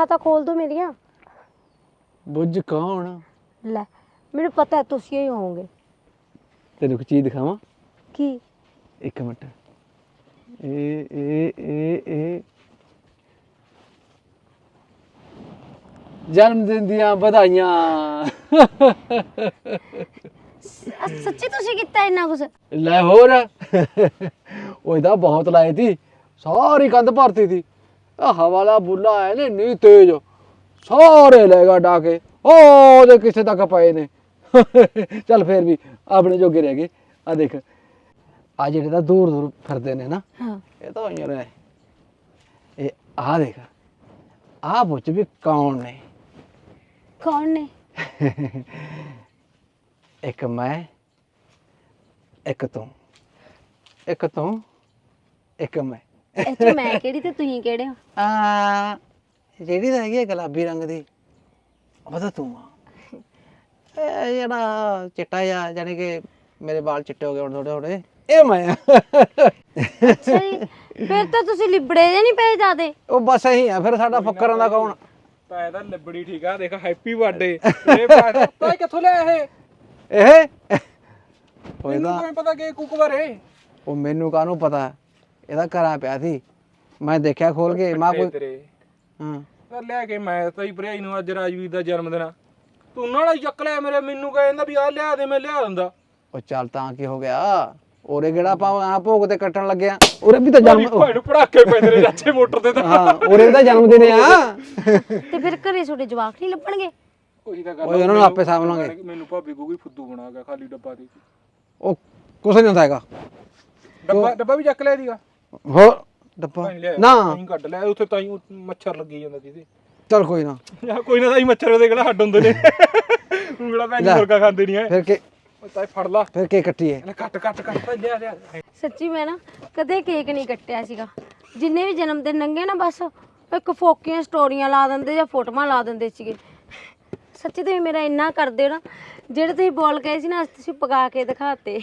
ਅੱਖਾਂ ਤਾਂ ਖੋਲ ਦੋ ਮੇਰੀਆਂ। ਬੁੱਝ ਕੌਣ? ਲੈ ਮੈਨੂੰ ਪਤਾ ਤੁਸੀਂ ਹੀ ਹੋਵੋਗੇ। ਤੈਨੂੰ ਇੱਕ ਚੀਜ਼ ਦਿਖਾਵਾਂ? ਕੀ? ਇੱਕ ਮਿੰਟ। ਇਹ ਜਨਮ ਦਿਨ ਦੀਆਂ ਵਧਾਈਆਂ। ਸੱਚੀ ਤੁਸੀਂ ਕੀਤਾ ਇੰਨਾ ਕੁਛ? ਲੈ ਹੋਰ ਉਹ ਇਹਦਾ ਬਹੁਤ ਲਾਏ ਤੀ, ਸਾਰੀ ਕੰਧ ਭਰਤੀ ਥੀ। ਹਵਾ ਵਾਲਾ ਬੁੱਲਾ ਆਇਆ ਨੇ ਇੰਨੀ ਤੇਜ਼, ਸਾਰੇ ਲੈ ਗਾ ਡਾਕੇ, ਉਹਦੇ ਕਿਸੇ ਤੱਕ ਪਏ ਨੇ। ਚੱਲ ਫੇਰ ਵੀ ਆਪਣੇ ਜੋਗੇ ਰਹਿ ਗਏ। ਆ ਦੇਖ, ਆ ਜਿਹੜੇ ਤਾਂ ਦੂਰ ਦੂਰ ਫਿਰਦੇ ਨੇ ਨਾ, ਇਹ ਤਾਂ ਹੋਈਆਂ ਨੇ। ਇਹ ਆ ਦੇਖ, ਆ ਪੁੱਛ ਵੀ ਕੌਣ ਨੇ? ਕੌਣ ਨੇ? ਇੱਕ ਮੈਂ, ਇੱਕ ਤੂੰ, ਇੱਕ ਤੂੰ, ਇੱਕ ਮੈਂ। ਇਹ ਚ ਮੈਂ ਕਿਹੜੀ ਤੇ ਤੁਸੀਂ ਕਿਹੜੇ ਹੋ? ਜਿਹੜੀ ਤਾਂ ਹੈਗੀ ਆ ਗੁਲਾਬੀ ਰੰਗ ਦੀ, ਉਹ ਤਾਂ ਤੂੰ ਆ। ਇਹ ਜਿਹੜਾ ਚਿੱਟਾ ਜਿਹਾ, ਜਾਣੀ ਕਿ ਮੇਰੇ ਵਾਲ ਚਿੱਟੇ ਹੋ ਗਏ ਹੁਣ ਥੋੜੇ ਥੋੜੇ, ਇਹ ਮੈਂ ਆ। ਅੱਛਾ ਜੀ, ਫਿਰ ਤਾਂ ਤੁਸੀਂ ਲਿਬੜੇ ਜੇ ਨਹੀਂ ਪਏ ਜਾਦੇ। ਉਹ ਬਸ ਇਹੀ ਆ ਫਿਰ, ਸਾਡਾ ਫੱਕਰਾਂ ਦਾ ਕੌਣ? ਤਾਂ ਇਹਦਾ ਲਿਬੜੀ ਠੀਕ ਆ। ਦੇਖ ਹੈਪੀ ਬਰਥਡੇ। ਇਹ ਤਾਂ ਕਿੱਥੋਂ ਲਿਆ ਇਹ? ਉਹਦਾ ਕਿਵੇਂ ਪਤਾ ਕਿ ਕੁੱਕ ਬਾਰੇ? ਉਹ ਮੈਨੂੰ ਕਾਹਨੂੰ ਪਤਾ, ਇਹਦਾ ਘਰਾਂ ਪਿਆ ਸੀ, ਮੈਂ ਦੇਖਿਆ ਖੋਲ ਕੇ। ਮਾਂ ਕੋਈ ਤੇਰੇ ਹਾਂ ਤਾਂ ਲਿਆ ਕੇ ਮੈਂ ਤਾਂ ਹੀ ਭਰਾਈ ਨੂੰ ਅੱਜ ਰਾਜਵੀਰ ਦਾ ਜਨਮ ਦਿਨ ਆ, ਤੂੰ ਨਾਲ ਹੀ ਚੱਕ ਲਿਆ ਮੇਰੇ। ਮੈਨੂੰ ਕਹਿੰਦਾ ਵੀ ਆ ਲਿਆ ਦੇ, ਮੈਂ ਲਿਆ ਦਿੰਦਾ। ਉਹ ਚੱਲ ਤਾਂ ਕੀ ਹੋ ਗਿਆ? ਉਰੇ ਕਿਹੜਾ ਆਪਾਂ ਆ ਭੋਗ ਤੇ ਕੱਟਣ ਲੱਗਿਆ? ਉਰੇ ਵੀ ਤਾਂ ਜਨਮ ਭਾਈ ਨੂੰ ਪੜਾਕੇ ਪੈਂਦੇ ਨੇ ਚਾਚੇ ਮੋਟਰ ਤੇ ਤਾਂ। ਹਾਂ, ਉਰੇ ਦਾ ਜਨਮ ਦਿਨ ਆ। ਤੇ ਫਿਰ ਘਰੇ ਤੁਹਾਡੇ ਜਵਾਕ ਨਹੀਂ ਲੱਭਣਗੇ? ਉਹੀ ਤਾਂ ਗੱਲ। ਓਏ ਉਹਨਾਂ ਨੂੰ ਆਪੇ ਸਾਂਭ ਲਾਂਗੇ। ਮੈਨੂੰ ਭਾਬੀ ਕੋਈ ਫੁੱਦੂ ਬਣਾ ਗਿਆ ਖਾਲੀ ਡੱਬਾ ਦੇ। ਉਹ ਕੁਛ ਨਹੀਂ ਹੁੰਦਾ ਹੈਗਾ। ਡੱਬਾ ਵੀ ਚੱਕ ਲਿਆ ਦੀਗਾ। ਹੋਰ ਡੱਬਾ ਨਾ ਨਹੀਂ ਕੱਢ ਲਿਆ ਉੱਥੇ, ਤਾਂ ਹੀ ਮੱਛਰ ਲੱਗੀ ਜਾਂਦਾ ਜਿਹਦੇ। ਚੱਲ ਕੋਈ ਨਾ, ਕੋਈ ਨਾ, ਤਾਂ ਹੀ ਮੱਛਰ ਉਹਦੇ ਕਿਹੜਾ ਹੱਡ ਹੁੰਦੇ ਨੇ। ਉਂਗਲਾ ਭੈਣ ਮੁਰਗਾ ਖਾਂਦੇ ਨਹੀਂ ਐ। ਫਿਰ ਕੇ ਤਾਂ ਫੜ ਲਾ, ਫਿਰ ਕੇ ਕੱਟੀਏ। ਕੱਟ ਕੱਟ ਕੱਟ ਭਾਈ, ਲਿਆ ਲਿਆ। ਸੱਚੀ ਮੈਂ ਨਾ ਕਦੇ ਕੇਕ ਨਹੀਂ ਕੱਟਿਆ ਸੀਗਾ। ਜਿੰਨੇ ਵੀ ਜਨਮ ਦਿਨ ਲੰਘੇ ਨਾ, ਬਸ ਇੱਕ ਫੋਕੀਆਂ ਸਟੋਰੀਆਂ ਲਾ ਦਿੰਦੇ ਜਾਂ ਫੋਟੋਆਂ ਲਾ ਦਿੰਦੇ ਸੀਗੇ। ਸੱਚੀ ਤੁਸੀਂ ਮੇਰਾ ਇੰਨਾ ਕਰਦੇ ਹੋ ਨਾ, ਜਿਹੜੇ ਤੁਸੀਂ ਬੋਲ ਗਏ ਸੀ ਨਾ, ਅੱਜ ਤੁਸੀਂ ਪਕਾ ਕੇ ਦਿਖਾਤੇ।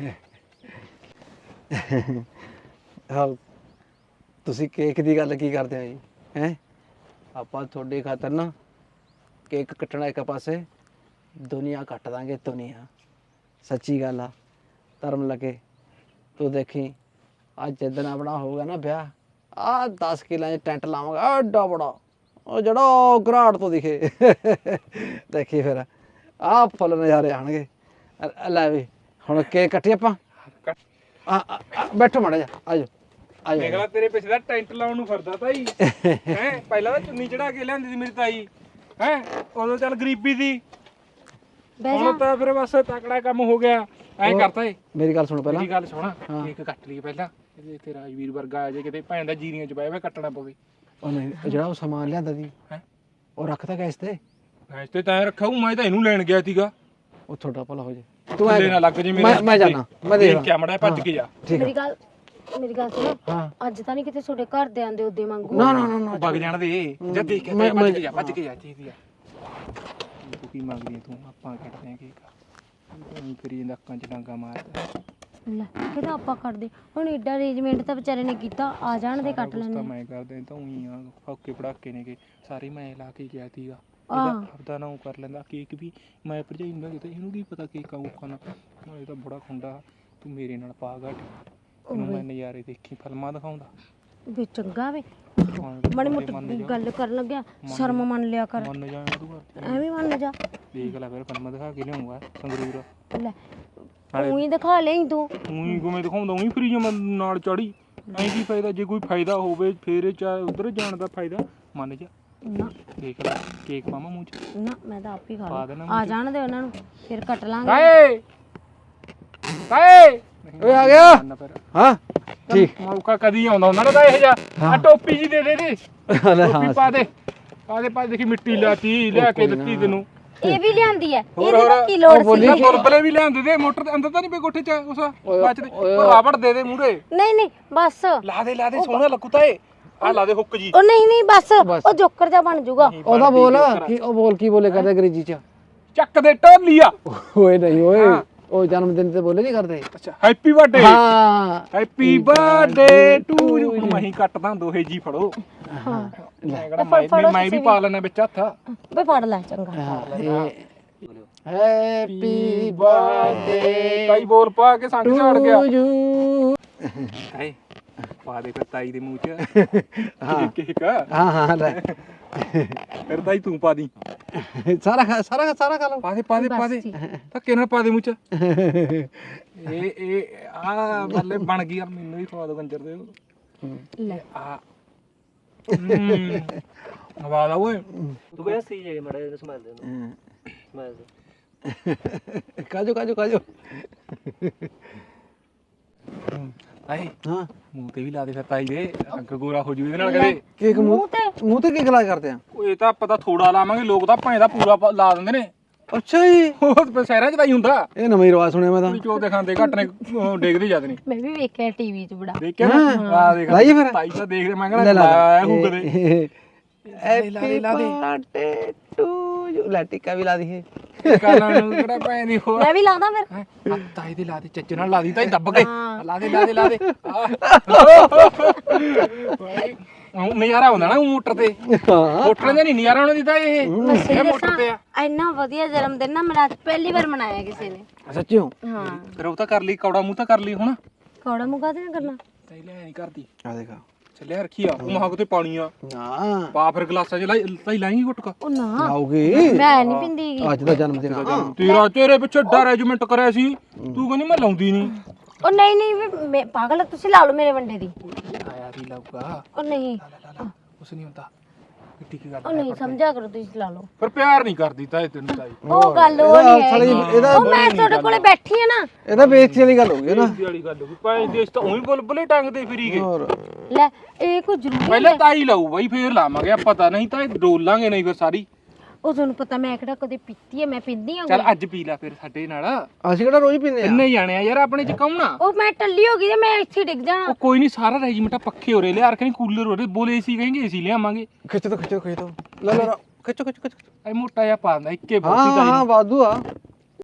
ਹਾਂ, ਤੁਸੀਂ ਕੇਕ ਦੀ ਗੱਲ ਕੀ ਕਰਦੇ ਹੋ ਜੀ? ਹੈ ਆਪਾਂ ਤੁਹਾਡੇ ਖਾਤਰ ਨਾ ਕੇਕ ਕੱਟਣਾ ਇੱਕ ਪਾਸੇ, ਦੁਨੀਆ ਕੱਟ ਦਾਂਗੇ ਦੁਨੀਆ। ਸੱਚੀ ਗੱਲ ਆ, ਧਰਮ ਲੱਗੇ। ਤੂੰ ਦੇਖੀ ਅੱਜ ਜਿੱਦਣ ਆਪਣਾ ਹੋਊਗਾ ਨਾ ਵਿਆਹ, ਆਹ 10 ਕਿੱਲਿਆਂ 'ਚ ਟੈਂਟ ਲਾਵਾਂਗਾ ਐਡਾ ਬੜਾ, ਉਹ ਜਿਹੜਾ ਘਰਾਟ ਤੋਂ ਦਿਖੇ। ਦੇਖੀ ਫਿਰ ਆਹ ਫੁੱਲ ਨਜ਼ਾਰੇ ਆਉਣਗੇ। ਲੈ ਵੀ ਹੁਣ ਕੇਕ ਕੱਟੀਏ ਆਪਾਂ। ਬੈਠੋ ਮਾੜਾ ਜਾ, ਆਜੋ ਆਜੋ। ਦੇਖ ਲੈ ਤੇਰੇ ਪਿੱਛੇ ਦਾ ਟੈਂਟ ਲਾਉਣ ਨੂੰ ਫਿਰਦਾ ਤਾਈ। ਹੈ ਪਹਿਲਾਂ ਤਾਂ ਚੁੰਨੀ ਚੜਾ ਕੇ ਲਿਆਂਦੀ ਸੀ ਮੇਰੀ ਤਾਈ। ਹੈ ਉਦੋਂ ਚੱਲ ਗਰੀਬੀ ਦੀ, ਹੁਣ ਤਾਂ ਫਿਰ ਬਸ ਤਕੜਾ ਕੰਮ ਹੋ ਗਿਆ। ਐਂ ਕਰਤਾ ਏ। ਮੇਰੀ ਗੱਲ ਸੁਣ ਪਹਿਲਾਂ। ਮੇਰੀ ਗੱਲ ਸੁਣ, ਕੇਕ ਕੱਟ ਲਈ ਪਹਿਲਾਂ। ਇਹਦੇ ਇੱਥੇ ਰਾਜਵੀਰ ਵਰਗਾ ਆ ਜੇ ਕਿਤੇ ਭੈਣ ਦਾ ਜੀਰੀਆਂ ਚ ਪਾਇਆ ਵਾ, ਕੱਟਣਾ ਪਵੇ। ਉਹ ਨਹੀਂ, ਜਿਹੜਾ ਉਹ ਸਮਾਨ ਲਿਆਂਦਾ ਸੀ ਉਹ ਰੱਖਤਾ ਗੈਸ ਤੇ? ਗੈਸ ਤੇ ਤਾਂ ਰੱਖਾ ਹੂੰ, ਮੈਂ ਤਾਂ ਇਹਨੂੰ ਲੈਣ ਗਿਆ ਸੀਗਾ। ਉਹ ਤੁਹਾਡਾ ਭਲਾ ਹੋ ਜੇ, ਤੂੰ ਐ ਨਾ ਲੱਗ ਜੇ ਮੇਰੇ। ਮੈਂ ਜਾਣਾ, ਮੈਂ ਦੇਖ ਕੇ ਮੜਾ ਭੱਜ ਕੇ ਜਾ। ਮੇਰੀ ਗੱਲ ਸੁਣੋ। ਅੱਜ ਤਾਂ ਨਹੀਂ ਕਿਤੇ ਤੁਹਾਡੇ ਘਰ ਦੇ ਆਂਦੇ ਉਹਦੇ ਮੰਗੂ? ਨਾ ਨਾ ਨਾ, ਵਗ ਜਾਣ ਦੇ। ਜਦ ਦੇਖ ਕੇ ਭੱਜ ਕੇ ਜਾ, ਭੱਜ ਕੇ ਜਾ। ਚੀਜ਼ ਆ ਤੂੰ ਕੀ ਮੰਗਦੀ ਤੂੰ? ਆਪਾਂ ਕੱਟਦੇ ਆ ਕੇਕ। ਤੂੰ ਕਰੀ ਅੱਖਾਂ ਚ ਡਾਂਗਾ ਮਾਰਦਾ। ਲੈ ਕਿਹਦਾ ਆਪਾਂ ਕਰਦੇ? ਹੁਣ ਏਡਾ ਅਰੇਂਜਮੈਂਟ ਤਾਂ ਵਿਚਾਰੇ ਨੇ ਕੀਤਾ, ਆ ਜਾਣ ਦੇ ਕੱਟ ਲੈਣੇ। ਮੈਂ ਕਰਦੇ ਤਾਂ ਉਹੀ ਆ, ਫੌਕੇ ਪੜਾਕੇ ਨੇ ਕਿ ਸਾਰੇ ਮੈਂ ਲਾ ਕੇ ਗਿਆ ਸੀਗਾ। ਆਪਦਾ ਨਾ ਉਹ ਕਰ ਲੈਂਦਾ। ਕੇਕ ਵੀ ਮੈਂ ਭਰਜਾਈ ਨੂੰ ਕਿਤੇ, ਇਹਨੂੰ ਕੀ ਪਤਾ ਕੇਕ ਆਊਗਾ ਨਾ। ਇਹ ਤਾਂ ਬੜਾ ਖੁੰਡਾ। ਤੂੰ ਮੇਰੇ ਨਾਲ ਪਾ ਘੱਟ, ਇਹਨੂੰ ਮੈਂ ਨਜ਼ਾਰੇ ਦੇਖੀ ਫਿਲਮਾਂ ਦਿਖਾਉਂਦਾ ਵੇ। ਚੰਗਾ ਵੇ, ਮਾੜੀ ਮੋਟੀ ਗੱਲ ਕਰਨ ਲੱਗਿਆ ਸ਼ਰਮ ਮੰਨ ਲਿਆ ਕਰ। ਮੰਨ ਜਾ ਤੂੰ, ਐਵੇਂ ਮੰਨ ਜਾ। ਦੇਖ ਲੈ ਫਿਰ ਫਿਲਮਾਂ ਦਿਖਾ ਕੇ ਲਿਆਉਂਗਾ ਸੰਗਰੂਰ। ਲੈ ਉਹੀ ਦਿਖਾ ਲਈ ਤੂੰ। ਉਹੀ ਕਿਵੇਂ ਦਿਖਾਉਂਦਾ? ਉਹੀ ਫਰੀ ਜਮ ਨਾਲ ਚੜੀ। ਐਂ ਕੀ ਫਾਇਦਾ? ਜੇ ਕੋਈ ਫਾਇਦਾ ਹੋਵੇ ਫੇਰ ਚਾਹੇ ਉਧਰ ਜਾਣ ਦਾ ਫਾਇਦਾ। ਮੰਨ ਜਾ ਨਾ। ਦੇਖ ਲੈ ਕੇਕ ਪਾਵਾਂ ਮੂੰਹ ਚ? ਨਾ ਮੈਂ ਤਾਂ ਆਪ ਹੀ ਖਾ ਲਾਂ। ਆ ਜਾਣ ਦੇ ਉਹਨਾਂ ਨੂੰ, ਫਿਰ ਕੱਟ ਲਾਂਗੇ। ਕਾਏ ਕਾਏ ਓਏ ਆ ਗਿਆ। ਹਾਂ ਠੀਕ, ਮੌਕਾ ਕਦੀ ਆਉਂਦਾ ਉਹਨਾਂ ਦਾ ਇਹ ਜਾ। ਆ ਟੋਪੀ ਜੀ ਦੇ ਦੇ ਦੇ, ਟੋਪੀ ਪਾ ਦੇ, ਪਾ ਦੇ ਪਾ। ਦੇਖੀ ਮਿੱਟੀ ਲਾਤੀ, ਲਿਆ ਕੇ ਦਿੱਤੀ ਤੈਨੂੰ। ਇਹ ਵੀ ਲਿਆਂਦੀ ਐ, ਇਹਦੀ ਤਾਂ ਕੀ ਲੋੜ ਸੀ? ਗੁਰਬਲੇ ਵੀ ਲਿਆਂਦੇ ਦੇ। ਮੋਟਰ ਦੇ ਅੰਦਰ ਤਾਂ ਨਹੀਂ ਪਈ ਕੋਠੇ ਚ ਉਸ ਬਚ ਦੇ। ਉਹ ਰਾਵੜ ਦੇ ਦੇ ਮੂਹਰੇ। ਨਹੀਂ ਬਸ ਲਾ ਦੇ ਸੋਹਣਾ ਲੱਗੂ ਤਾਂ ਇਹ। ਆ ਲਾ ਦੇ ਹੁੱਕ ਜੀ। ਉਹ ਨਹੀਂ ਬਸ, ਉਹ ਜੋਕਰ ਜਾ ਬਣ ਜਾਊਗਾ। ਉਹਦਾ ਬੋਲ ਕੀ, ਉਹ ਬੋਲ ਕੀ ਬੋਲੇ ਕਰਦਾ ਅੰਗਰੇਜ਼ੀ ਚ? ਚੱਕ ਦੇ ਢੋਲੀਆ। ਓਏ ਨਹੀਂ ਓਏ, ਉਹ ਜਨਮ ਦਿਨ ਤੇ ਬੋਲੇ ਨਹੀਂ ਕਰਦੇ। ਅੱਛਾ ਹੈਪੀ ਬਰਥਡੇ ਹਾਂ ਹੈਪੀ ਬਰਥਡੇ ਟੂ ਯੂ। ਹੁਣ ਮੈਂ ਹੀ ਕੱਟਦਾ ਦੋਹੇ ਜੀ ਫੜੋ। ਹਾਂ ਮੈਂ ਕਿਹੜਾ ਮੈਂ ਵੀ ਪਾ ਲੈਣਾ ਵਿੱਚ ਹੱਥ। ਬਈ ਫੜ ਲੈ ਚੰਗਾ। ਹੈਪੀ ਬਰਥਡੇ ਤਾਈ ਬੋਲ ਪਾ ਕੇ ਸੰਗ ਝਾੜ ਗਿਆ। To you. ਹਾਏ ਪਾ ਦੇ ਫਿਰ ਤਾਈ ਦੇ ਮੂੰਹ 'ਚ ਕੇਕ। ਹਾਂ ਹਾਂ ਲੈ ਫਿਰ ਤਾਈ ਤੂੰ ਪਾ ਦੀ। ਸਾਰਾ ਖਾ ਲਓ। ਪਾ ਦੇ ਧੱਕੇ ਨਾਲ ਪਾ ਦੇ ਮੂੰਹ 'ਚ। ਇਹ ਆ ਬੱਲੇ ਬਣ ਗਈ। ਮੈਨੂੰ ਵੀ ਖਵਾ ਦੋ ਕੰਜਰ ਦੇ। ਲੈ ਆ ਆਵਾਜ਼ ਆ ਓਏ। ਤੂੰ ਕਹਿੰਦਾ ਸਹੀ ਜਗ੍ਹਾ ਮੜਾ ਇਹਨੂੰ ਸਮਾਲ ਦੇ ਸਮਾਲ ਦੇ। ਕਾਜੋ ਹਾਏ ਹਾਂ ਮੂੰਹ ਤੇ ਵੀ ਲਾ ਦੇ ਫਿਰ ਤਾਈ ਦੇ। ਅੱਗ ਗੋਰਾ ਹੋ ਜੂ ਇਹਦੇ ਨਾਲ ਕਦੇ। ਕੇਕ ਮੂੰਹ ਤੇ ਕੇਕ ਲਾ ਕਰਦੇ ਆ। ਇਹ ਤਾਂ ਪਤਾ ਥੋੜਾ ਲਾਵਾਂਗੇ। ਲੋਕ ਤਾਂ ਭਾਂ ਦਾ ਪੂਰਾ ਲਾ ਦਿੰਦੇ ਨੇ। ਅੱਛਾ ਜੀ ਉਹ ਸ਼ਹਿਰਾਂ 'ਚ ਤਾਂ ਹੀ ਹੁੰਦਾ। ਇਹ ਨਵਾਂ ਹੀ ਰਿਵਾਜ ਸੁਣਿਆ ਮੈਂ ਤਾਂ। ਚੋ ਦੇ ਖਾਂਦੇ ਘੱਟ ਨੇ ਡੇਗਦੇ ਜਾਂਦੇ ਨੇ। ਮੈਂ ਵੀ ਵੇਖਿਆ ਟੀਵੀ 'ਚ ਬੜਾ। ਦੇਖਿਆ ਨਾ ਆ ਦੇਖ ਲਾਈਏ ਫਿਰ। ਤਾਈ ਤਾਂ ਦੇਖਦੇ ਮੈਂ ਕਹਿੰਦਾ ਲਾਇਆ ਹੂ ਕਦੇ। Happy birthday to you. ਲੈ ਟਿੱਕਾ ਵੀ ਲਾ ਦਈਏ। ਕਾਲਾਂ ਨੂੰ ਕਿਹੜਾ ਭੈਣ ਦੀ ਹੋਰ। ਮੈਂ ਵੀ ਲਾਦਾ ਫਿਰ। ਤਾਈ ਦੇ ਲਾ ਦੇ ਚੱਜ ਨਾਲ ਲਾ ਦੀ ਤਾਈ ਦੱਬ ਕੇ। ਲਾ ਦੇ ਨਜ਼ਾਰਾ ਹੁੰਦਾ ਨਾ ਮੋਟਰ ਤੇ। ਮੋਟਰ ਦੇ ਨਹੀਂ ਨਜ਼ਾਰਾ ਉਹਨਾਂ ਦੀ ਤਾਂ ਇਹ ਮੋਟਰ ਤੇ ਆ। ਇੰਨਾ ਵਧੀਆ ਜਨਮ ਦਿਨ ਨਾ ਮੇਰਾ ਅੱਜ ਪਹਿਲੀ ਵਾਰ ਮਨਾਇਆ ਕਿਸੇ ਨੇ। ਸੱਚੀ ਹੋ। ਹਾਂ ਫਿਰ ਉਹ ਤਾਂ ਕਰ ਲਈ ਕੌੜਾ ਮੂੰਹ ਤਾਂ ਕਰ ਲਈ ਹੁਣ। ਕੌੜਾ ਮੁਗਾ ਤੇ ਕਰਨਾ। ਤਾਈ ਲੈ ਨਹੀਂ ਕਰਦੀ। ਆ ਦੇਖਾ ਚੱਲਿਆ ਰੱਖੀ ਆ ਉਹ ਮਹਾਕ ਤੇ ਪਾਣੀ ਆ। ਨਾ ਪਾ ਫਿਰ ਗਲਾਸਾਂ 'ਚ ਤਾਈ ਲਾਏਂਗੀ ਗੁਟਕਾ। ਉਹ ਨਾ ਆਉਗੀ। ਮੈਂ ਨਹੀਂ ਪਿੰਦੀ। ਅੱਜ ਦਾ ਜਨਮ ਦਿਨ ਆ। ਤੇਰੇ ਪਿੱਛੇ ਅਰੇਂਜਮੈਂਟ ਕਰਿਆ ਸੀ ਤੂੰ ਕਹਿੰਦੀ ਮੈਂ ਲਾਉਂਦੀ ਨਹੀਂ। ਉਹ ਨਹੀਂ ਮੈਂ ਪਾਗਲ ਤੁਸੀਂ ਲਾ ਲਓ ਮੇਰੇ ਵੰਡੇ ਦੀ। ਆਇਆ ਵੀ ਲਾਊਗਾ। ਉਹ ਨਹੀਂ ਕੁਛ ਨਹੀਂ ਹੁੰਦਾ। ਕਿੱਟੀ ਕੀ ਉਹ ਗੱਲ ਨਹੀਂ ਸਮਝਿਆ ਕਰੋ ਤੁਸੀਂ ਲਾ ਲਓ। ਪਰ ਪਿਆਰ ਨਹੀਂ ਕਰਦੀ ਤਾਈ ਤੈਨੂੰ ਤਾਈ। ਉਹ ਗੱਲ ਉਹ ਨਹੀਂ ਹੈ। ਇਹਦਾ ਉਹ ਮੈਂ ਤੁਹਾਡੇ ਕੋਲੇ ਬੈਠੀ ਆ ਨਾ। ਇਹਦਾ ਬੇਇੱਜ਼ਤੀ ਵਾਲੀ ਗੱਲ ਹੋ ਗਈ ਨਾ। ਬੇਇੱਜ਼ਤੀ ਵਾਲੀ ਗੱਲ ਹੋ ਗਈ। ਭਾਈ ਦੇਸ਼ ਤਾਂ ਉਹੀ ਬੁਲਬੁਲੇ ਟੰਗਦੇ ਫਿਰੀ ਗਏ। ਹੋਰ ਲੈ ਇਹ ਕੋਈ ਜ਼ਰੂਰੀ ਪਹਿਲਾਂ ਤਾਈ ਲਾਊ ਬਾਈ ਫੇਰ ਲਾਵਾਂਗੇ ਆਪਾਂ ਤਾਂ। ਨਹੀਂ ਤਾਂ ਇਹ ਡੋਲਾਂਗੇ ਨਹੀਂ ਫਿਰ ਸਾਰੀ। ਉਹ ਤੁਹਾਨੂੰ ਪਤਾ ਮੈਂ ਕਿਹੜਾ ਕਦੇ ਪੀਤੀ ਹੈ। ਮੈਂ ਪੀਂਦੀ ਆ। ਚੱਲ ਅੱਜ ਪੀ ਲੈ ਫਿਰ ਸਾਡੇ ਨਾਲ। ਅਸੀਂ ਕਿਹੜਾ ਰੋਜ਼ ਪੀਂਦੇ ਆ। ਇੰਨੇ ਜਾਣੇ ਆ ਯਾਰ ਆਪਣੇ ਚ ਕੌਣ ਆ। ਉਹ ਮੈਂ ਟੱਲੀ ਹੋ ਗਈ ਤੇ ਮੈਂ ਇੱਥੇ ਡਿੱਗ ਜਾਣਾ। ਉਹ ਕੋਈ ਨਹੀਂ ਸਾਰਾ ਰੈਜੀਮੈਂਟ ਪੱਖੇ ਹੋ ਰਹੇ ਲਿਆ ਰੱਖੇ ਕੂਲਰ ਹੋ ਰਹੇ ਬੋਲੇ ਏਸੀ ਕहेंगे ਏਸੀ ਲਿਆਵਾਂਗੇ। ਖਿੱਚ ਦੋ ਲੈ ਖਿੱਚੋ ਇਹ ਮੋਟਾ ਜਿਹਾ ਪਾ ਦਿੰਦਾ ਇੱਕੇ ਹਾਂ ਬੋਤੀ ਹਾਂ ਵਾਧੂ ਆ।